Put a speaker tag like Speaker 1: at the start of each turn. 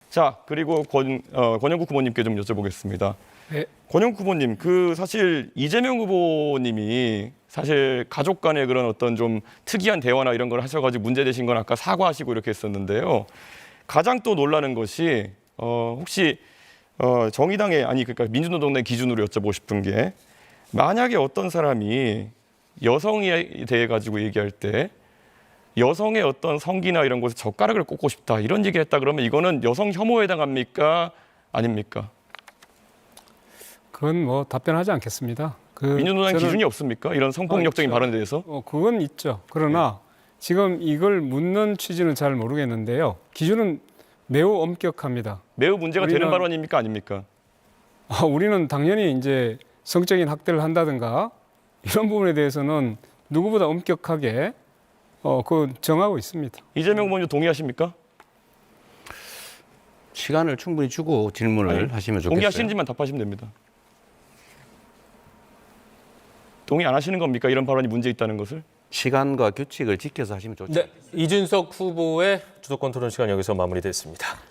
Speaker 1: 자, 그리고 권영국 후보님께 좀 여쭤보겠습니다.
Speaker 2: 네.
Speaker 1: 권영국 후보님, 사실 이재명 후보님이 사실 가족 간의 그런 어떤 좀 특이한 대화나 이런 걸 하셔가지고 문제되신 건 아까 사과하시고 이렇게 했었는데요. 가장 또 놀라는 것이 혹시 정의당의 그러니까 민주노동당 기준으로 여쭤보고 싶은 게 만약에 어떤 사람이 여성에 대해 가지고 얘기할 때 여성의 어떤 성기나 이런 곳에 젓가락을 꽂고 싶다 이런 얘기를 했다 그러면 이거는 여성 혐오에 해당합니까? 아닙니까?
Speaker 2: 그건 뭐 답변하지 않겠습니다.
Speaker 1: 민주노당 기준이 없습니까? 이런 성폭력적인 발언에 대해서?
Speaker 2: 그건 있죠. 그러나 지금 이걸 묻는 취지는 잘 모르겠는데요. 기준은 매우 엄격합니다.
Speaker 1: 매우 문제가 되는 발언입니까? 아닙니까?
Speaker 2: 우리는 당연히 이제 성적인 학대를 한다든가 이런 부분에 대해서는 누구보다 엄격하게 정하고 있습니다.
Speaker 1: 이재명 후보님 동의하십니까?
Speaker 3: 시간을 충분히 주고 질문을 하시면 좋겠어요.
Speaker 1: 동의하시는지만 답하시면 됩니다. 동의 안 하시는 겁니까? 이런 발언이 문제 있다는 것을?
Speaker 3: 시간과 규칙을 지켜서 하시면 좋죠.
Speaker 4: 네, 이준석 후보의 주도권 토론 시간 여기서 마무리됐습니다.